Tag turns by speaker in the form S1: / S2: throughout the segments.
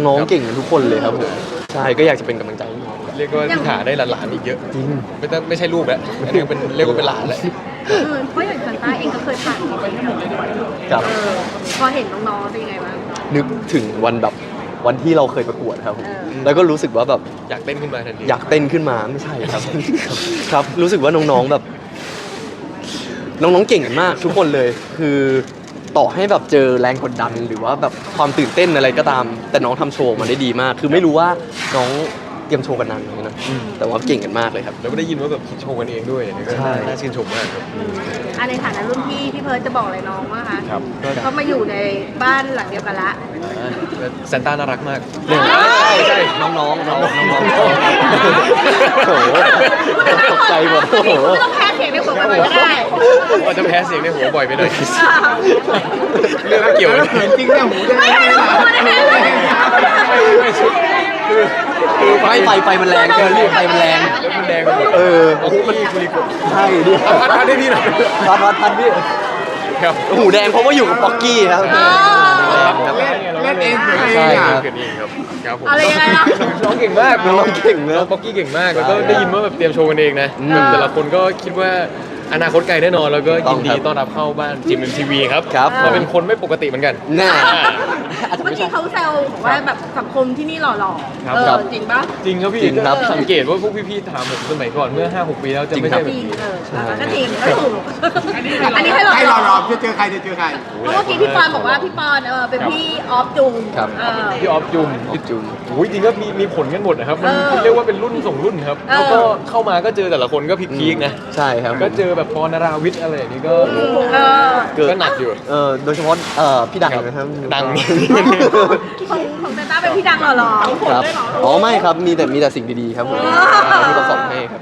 S1: น้องๆเก่งกันทุกคนเลยครับผมใช่ก็อยากจะเป็นกำลังใจให้น้องครับ
S2: เรียกว่าพี่ถาได้หลานๆอีกเยอะ
S1: จริง
S2: ไม่ใช่ลูกแล้วอันนี้เป็นเรียกว่าเป็นหลานแล้ว
S3: เพราะอย่างซันต้าเองก็เคยผ่านมาทั้งหมดเลย
S1: ครับ
S3: พอเห็นน้องๆเป็นยังไงบ้าง
S1: นึกถึงวันแบบวันที่เราเคยประกวดครับผม
S3: เออ
S1: แล้วก็รู้สึกว่าแบบ
S2: อยากเต้นขึ้นมาทันที
S1: อยากเต้นขึ้นมาไม่ใช่ครับ ครับรู้สึกว่าน้องๆแบบ น้องๆเก่งกันมากทุกคนเลย คือต่อให้แบบเจอแรงกดดันหรือว่าแบบความตื่นเต้นอะไรก็ตาม แต่น้องทำโชว์มาได้ดีมาก คือไม่รู้ว่าน้องเตรียมโชว์กันนานไหมนะแต่ว่าเก่งกันมากเลยครับ
S2: แล้วก็ได้ยินว่าแบบคิดโชว์กันเองด้วยเนี่ยก็
S1: ใช่
S2: น่าชื่นชมมากครับ
S3: ในฐานะรุ่นพี่พี่เพิร์ดจะบอกอะไรน้องว่าคะ
S2: ครับก็
S3: ก็มาอยู่ในบ้านหลังเดียวกันละ
S2: ซานต้าน่ารักมาก
S1: ใช่น้องๆเราน้องๆโอ้โหตกใจหมดโอ้โห
S3: ไม่ต้องแพ้เสียงในหัวไปก็ได้
S2: ว่าจะแพ้เสียงในหัวบ่อยไปหน่อยเรื่องไม่เกี่ยวเลย
S4: เห็นจริงเนี่ยหูจะ
S3: ไม่ให้เราพูดนะคะ
S2: คือ
S1: ไฟมันแรงเกินไฟมันแรง
S2: แล้วมันแดงไปหมด
S1: เออ
S2: โอ้โหมันคุริโกะ
S1: ใช่ดิ
S2: พัดให้พี่หน่อย
S1: พัดพี่
S2: ครับ
S1: หูแดงเพราะว่าอยู่กับป๊อกกี้ครับ
S4: เล่นเองเสียงเอ
S1: ใช่
S4: ง
S1: ครั
S4: อ่ะ
S1: บ
S2: เกิดเองครับครับผม
S3: อะไรยังไงล่ะ
S2: น้องเก่งมาก
S1: น้องเก่งนะ
S2: น้องป๊อกกี้เก่งมากแล้วก็ได้ยินว่าแบบเตรียมโชว์กันเองนะ
S1: อืม
S2: แบบแต่ละคนก็คิดว่าอนาคตไกลแน่นอนแล้วก็ยินดี
S1: ต้องครับ
S2: ต้อนรับเข้าบ้านจิมเอ็มทีวีครับ
S1: ครับ
S2: เราเป็นคนไม่ปกติเหมือนกัน
S1: น่า
S3: เมื่อกี้เขาแซวบอกว่าแบบสังคมที่นี่หล่อๆ
S2: ครับ
S3: จริงปะ
S2: จริงครับพี่
S1: จริงครับ
S2: ก็สังเกตว่าพวกพี่ๆถามผมสมัยก่อนเมื่อ 5-6 ปีแล้วจะไม่ใช่
S1: จ
S2: แบ
S3: จ
S2: บ
S3: ริง
S2: นี้
S3: ก็จริงก็ถูกอันนี้ให้หล่อ
S4: ให้
S3: ๆ
S4: เรารอจะเจอใครจะเจอใคร
S3: เพราะเมื่อกี้พี่ปอนบอกว่าพี่ปอนเป็นพี่ออฟจุง
S1: ครับ
S2: พี่ออฟจุม
S1: จุ่ม
S2: โอ้ยจริงก็มีผลกันหมดนะครับมันเรียกว่าเป็นรุ่นส่งรุ่นครับ
S3: เออ
S2: แล้วก็เข้ามาก็เจอแต่ละคนก็พีคๆนะ
S1: ใช่ครับ
S2: ก็เจอแบบปอนาราวิทย์อะไรอย่างนี้ก็ ก็หนักอยู่
S1: โดยเฉพาะพี่ดังนะครับ
S2: ดัง
S3: ของเซนต้าเป็นพี่ดังหล่อๆ
S1: ครับอ๋อไม่ครับมีแต่สิ่งดีๆครับผมที่เขาสอนให้ครับ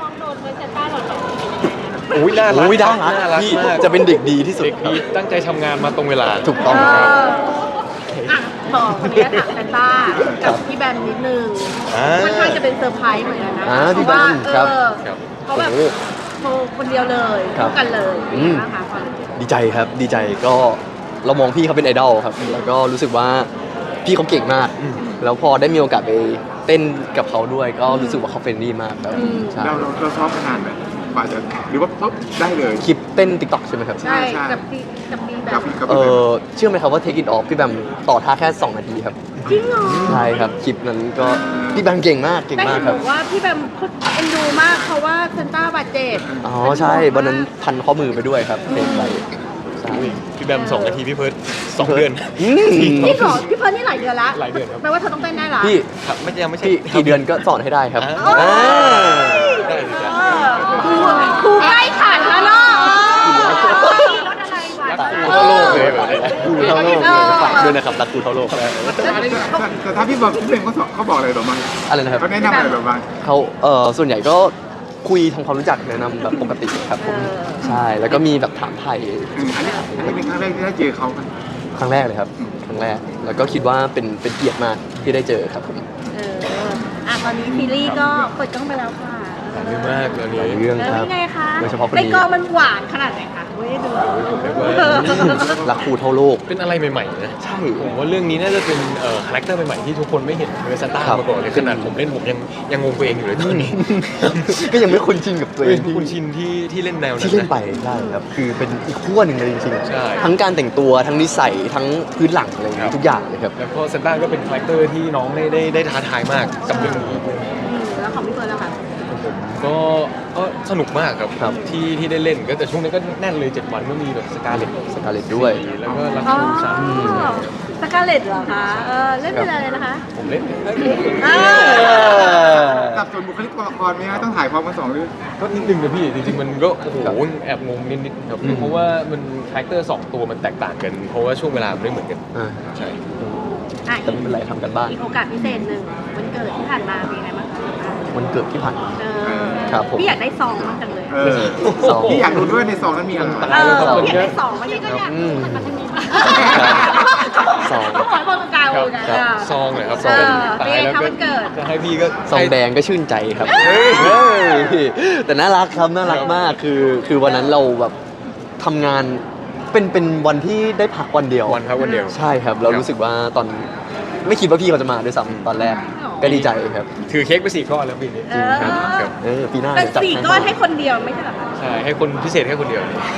S2: โอ้ยน่ารัก
S1: โอ้ยได้
S2: น่ารัก
S1: พี่
S2: มาก
S1: จะเป็นเด็กดีที่สุด
S2: เด็กดีตั้งใจทำงานมาตรงเวลา
S1: ถูกต้อง
S3: เอ
S1: ครับ
S3: ต่อคนนี้ถามเซนต้ากับพี่แบมนิดนึง
S2: อ่า
S3: ค่อนข้างจะเป็นเซอร์ไพรส์เหมือนกันนะ
S1: พี่แบมครับ
S2: ครับ
S3: เขาแบบ
S1: โอ้
S3: โชว์คนเดียวเลย
S1: ครับ
S3: คู่กันเลยเป็นไงบ้างคะความรู้สึก
S1: ดีใจครับดีใจก็เรามองพี่เขาเป็นไอดอลครับแล้วก็รู้สึกว่าพี่เขาเก่งมาก แล้วพอได้มีโอกาสไปเต้นกับเขาด้วย ก็รู้สึกว่าเขาเฟรนลี่มากครับใช่
S4: เราซ้อมมานานไหมกว่าจะหรือว่าปุ๊บได้เลย
S1: คลิปเต้นติ๊กต็อกใช่ไหมครับ
S3: ใช่
S4: ใช่
S3: กับพี่แบ
S4: กับ
S3: ม
S4: กับ
S1: เชื่อไหมครับว่า Take It Off พี่แบมต่อท่าแค่ 2 นาทีครับ
S3: จริงเหรอ
S1: ใช่ครับ คลิปนั้นก็พี่แบมเก่งมากเก่ง
S3: แต่
S1: มา
S3: เห็
S1: ก
S3: น
S1: ครับ
S3: บอกว่าพี่แบมเขาเอ็นดูมากเพราะว่าเซนต้าบาดเจ็บ
S1: อ๋อใช่วันนั้นพันข้อมือไปด้วยครับเพลงไปใช่
S2: พี่แบม2 นาทีพี่เพิร์ด2 เดือน
S1: อืม
S3: นี่สอนพี่เพิร์นนี่หลายเดือนละ
S2: หลายเดือนครับ
S3: แปลว่าเธอต้องเต้นได้ละ
S1: พี่
S2: ครับไม่ใช่
S1: พี่กี่เดือนก็สอนให้ได้ครับ
S2: อ่า
S1: อ่า
S2: ได้สิจ๊ะ
S3: ครูใกล้ขันแล้วเนาะรถอะไรวะ
S2: รักครูทั่วโลกเลยแบบนี้
S1: ครูเท่าโลกฝากด้วยนะครับรักครูเท่าโลก
S4: แต่ถ้าพี่บอกพี่เป็นเขาบอกอะไรแบบบ้าง
S1: อะไรนะครับ
S4: เขาแนะนำอะไรแบบบ้าง
S1: เขาส่วนใหญ่ก็คุยทำความรู้จักแนะนำแบบปกติครับผมใช่แล้วก็มีแบบถามไทย
S4: อันนี้เป็นครั้งแรกที่ได้เจอเขาไหม
S1: ครั้งแรกเลยครับครั้งแรกแล้วก็คิดว่าเป็นเกียรติมากที่ได้เจอครับผม
S3: ตอนนี้ซีรีส์ก็เปิดกล้องไปแล้วค่ะ
S2: เยอะมากตอนนี้
S1: หลายเรื่องครับ
S3: เป็นไงคะ
S1: โดยเฉพาะคน
S3: ใน
S1: นี้
S3: กองมันหวานขนาดไหนคะเว้ยดู
S2: ผมเรียกว่า
S1: รักครูเท่าโลก
S2: เป็นอะไรใหม่ๆนะ
S1: ใช่
S2: ผมว่าเรื่องนี้น่าจะเป็นคาแรคเตอร์ใหม่ๆที่ทุกคนไม่เห็นเวอร์ซันต้า
S1: ครับ
S2: มาก่อนเลยขนาดผมเล่นผมยังงงตัวเองอยู่เลยตอนนี้
S1: ก็ยังไม่คุ้นชินกับตัวเอง
S2: คุณชินที่เล่นแนวนั้น
S1: ที่เล่น
S2: นะ
S1: ไปได้ครับคือเป็นอีกขั้วหนึ่งเลยจริง
S2: ใช่
S1: ทั้งการแต่งตัวทั้งนิสัยทั้งพื้นหลังอะไรอย่าง
S2: ครั
S1: เงี้
S2: บ
S1: ยทุกอย่างเลยครับ
S2: แล้วก็ซันต้าก็เป็นคาแรคเตอร์ที่น้องได้ท้าทายมากกับเรื่องนี้
S3: แล้วของพี่เฟิร์นล่ะคะ
S2: ก็สนุกมากครับ
S1: ครับ
S2: ที่ได้เล่นก็แต่ช่วงนี้ก็แน่นเลย 7 วันก็มีแบบสกาเลต
S1: สกาเลตด้วย
S2: แล้วก็รัก
S3: อ๋อ
S2: ชูสาม
S3: สกาเลตเหรอคะเล่นเป็นอะไรนะคะ
S2: ผมเล่น
S4: สับสนบุคลิกตัวละครไหมฮะต้องถ่ายพร้อมกัน2 เรื่อง
S2: ก็นิดนึงนะพี่จริงๆมันก็โอ้โหแอบงงนิดๆครับเพราะว่ามันคาแรคเตอร์2 ตัวมันแตกต่างกัน เพราะว่าช่วงเวลามันไม่เหมือนกัน
S1: อ่า
S2: ใช่
S1: แต่ไม่เป็นไรทำกันบ้าน
S3: อีกโอกาสพิเศษหนึ่งวันเกิดที่ผ่านมาเป็นยังไงบ้างคะ
S1: วันเกิดที่ผ่านมา ครับผม
S3: พี่อยากได้ซองมากจังเลย
S1: ซอง
S4: พี่อยากรู้ด้วยในซองนั้นมีอะไร
S3: พี่อยากได้ซองมากจังเลย
S1: อืม ซอง
S3: ขอให้บอกตรงกลางเลยนะ
S2: ซองเลยครับ
S3: ซอง
S2: ตายแล้ว
S3: เป็นไงคะวันเกิด
S2: จะให้พี่ก็
S1: ซองแดงก็ชื่นใจครับเฮ้ยแต่น่ารักครับน่ารักมากคือวันนั้นเราแบบทำงานเป็นวันที่ได้พักวันเดียว
S2: วันครับวันเดียว
S1: ใช่ครับเรารู้สึกว่าตอนไม่คิดว่าพี่เขาจะมาด้วยซ้ำตอนแรกก็ดีใจครับ
S2: ถือเค้กไป4 ก้อนแล้วปีนี้
S3: เออ
S2: ครับ
S1: ปีหน้า
S3: เป็น
S1: เดี๋ยวจัด
S3: สี่
S1: ให้
S3: ก้อนให้คนเดียวไม่ใช่เหรอคะ
S2: ใช่ให้คนพิเศษแค่คนเดียว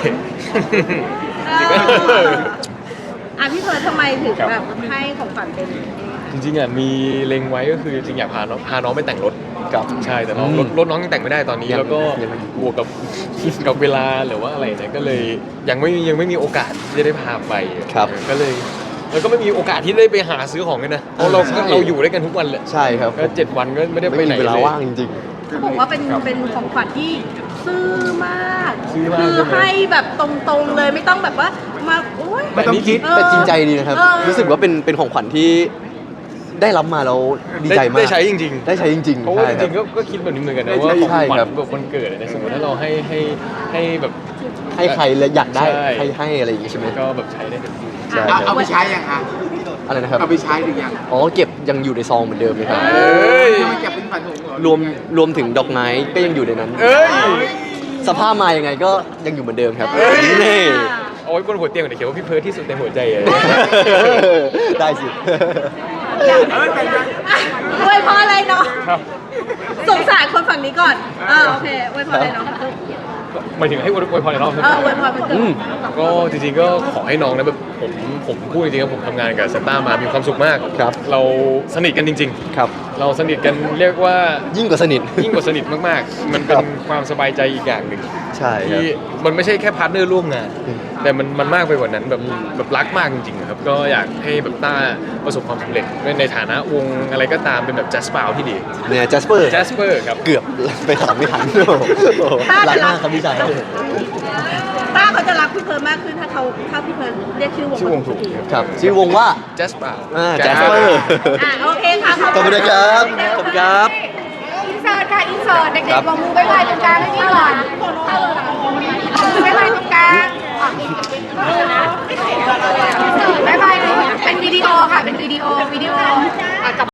S3: พี่เพิร์ททำไมถึงแบบให้ของขวัญเป็น
S2: จริงๆอ่ะมีเล็งไว้ก็คือจริงอยากพาน้องไปแต่งรถ
S1: กับ
S2: ใช่แต่น้องรถน้องยังแต่งไม่ได้ตอนนี้
S1: ยัง
S2: แล้วก็
S1: ยังไม่
S2: บวกกับเวลาหรือว่าอะไรเนี่ยก็เลยยังไม่มีโอกาสที่จะได้พาไป
S1: ครับ
S2: ก็เลยแล้วก็ไม่มีโอกาสที่ได้ไปหาซื้อของกันนะเพราะเราอยู่ด้วยกันทุกวันเลย
S1: ใช่ครับ
S2: ก็7 วันก็ไม่ได้ไป
S1: ไม่
S2: ไหน
S1: มีเวลา
S2: เลย
S1: ว่างจริง
S3: เขาบอกว่าเป็นของขวัญที่ซื่อมาก
S2: ซื่อมาก
S3: คือ
S2: ใช่ไหม
S3: ให้แบบตรงๆเลยไม่ต้องแบบว่ามาโอ๊ย
S4: ไม่ต้องคิด
S3: เออ
S1: แต่จริงใจดีนะครับ
S3: เออ
S1: รู้สึกว่าเป็นของขวัญที่ได้รับมาแล้วดีใจมาก
S2: ได้ใช้จริงๆ
S1: ได้ใช้จริงๆ
S2: เพราะว่า
S1: ใช่
S2: จ
S1: ค
S2: ริ
S1: บ
S2: งๆก็คิดแบบนี้เหมือนกันนะ
S4: ใช่
S2: ว่าของ
S1: ใช่
S2: ขวัญ
S1: ครับ
S2: แบบวันเกิดเนี่ยสมมติถ้าเราให้แบบ
S1: ให้ใครแล้วอยากได้
S2: ใช่
S1: ให้อะไรอย่างงี้ใช่ไหม
S2: ก็แบบใช้ได้เต็มที่
S1: ใช่
S4: เอาไปใช้ยังคะ
S1: อะไรนะครับ
S4: เอาไปใช้หรือยัง
S1: อ๋อเก็บยังอยู่ในซองเหมือนเดิมเลยครับ
S2: เอ้ย
S4: ยังไม่เก็บเป็นฝันถุงเหรอ
S1: รวมถึงดอกไม้ก็ยังอยู่ในนั้น
S2: เอ้ย
S1: สภาพมายังไงก็ยังอยู่เหมือนเดิมครับ
S2: เอ้ย
S1: นี่
S2: เอาไว้บนหัวเตียงเดี๋ยวเขียนว่าพี่เพิร์ทที่สุดในหัวใจเลย
S1: ได้สิ
S3: อวยพรอะไรเนาะ
S2: ครับ
S3: สงสารคนฝั่งนี้ก่อนโอเคอวยพรอะไรเนาะ
S2: หมายถึงให้อวยพรในรอบใช่ไหม
S3: อวยพรมันเกิด
S2: ก็จริงๆก็ขอให้น้องนะแบบผมพูดจริงๆครับผมทำงานกับซันต้ามามีความสุขมาก
S1: ครับ
S2: เราสนิทกันจริง
S1: ครับ
S2: ๆ เราสนิทกันเรียกว่า
S1: ยิ่งกว่าสนิท
S2: ยิ่งกว่าสนิทมากๆ มันเป็นความสบายใจอีกอย่างหนึ่ง
S1: ใช่ครับ
S2: ที่มันไม่ใช่แค่พาร์ทเนอร์ร่วมงาน แต่มันมากไปกว่านั้นแบบรักมากจริงๆครับก็อยากให้แบบต้าประสบความสำเร็จในฐานะวงอะไรก็ตามเป็นแบบแจสเปาที่ดี
S1: เนี่ยจัสเปอร์
S2: แจสเปอร์ครับ
S1: เกือบไปถามไม่ทันโอ้โหรักมากครับพี่ชาย
S3: ป้าเขาจะรักพี่เพิร์นมากขึ้นถ้าพี่เพิร์นเรียกชื่อวง
S2: ชื่อวงถูก
S1: ครับชื่อวงว่า
S2: แจสเปา
S1: จัสเปอร์
S3: โอเคค่ะ
S1: ขอบคุณนะครับขอบคุณครับ
S3: อินเสิร์ตค่ะอินเสิร์ตเด็กๆวางมือบ๊ายบายตรงกลางให้นี่ก่อนบ๊ายบายตรงกลางบ๊ายบายเป็นวิดีโอค่ะเป็นวิดีโอ